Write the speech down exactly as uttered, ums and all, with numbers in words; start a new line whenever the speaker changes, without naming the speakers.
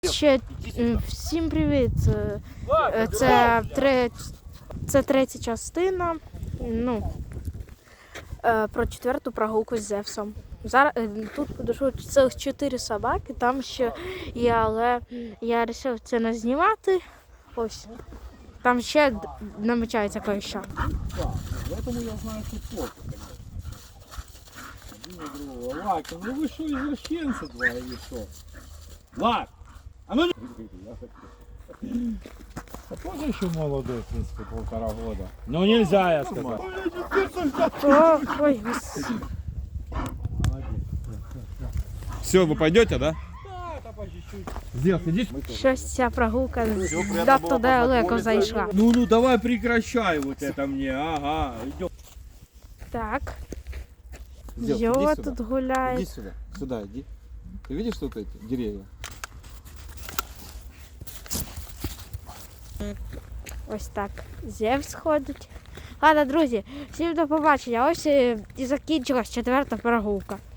Ще всім привіт. Це, тре... Це третя частина. Ну, про четверту прогулку з Зевсом. Зараз тут подійшло цілих чотири собаки, там ще є, але я вирішив це не знімати. Ось. Там ще намічається кое-що.
Поэтому я знаю, что плохо, конечно. Один другого. Лак, ну вы что, извращенцы два или что? Лак! А ну... А тоже еще молодой, в принципе, полтора года. Ну нельзя, я сказал.
О, ой, господи.
Все, вы пойдете, да? Да, это по чуть-чуть. Сделай, иди.
Щось ця прогулка надто далеко зайшла.
Ну, ну, давай прекращай вот это мне, ага. Идем.
Так.
Сделай, иди
Йо
сюда.
тут гуляє.
Иди сюда, сюда иди. Ты видишь тут эти деревья?
Ось так. Зевс ходить. Ладно, друзі, всім до побачення. Ось і закінчилась четверта прогулка.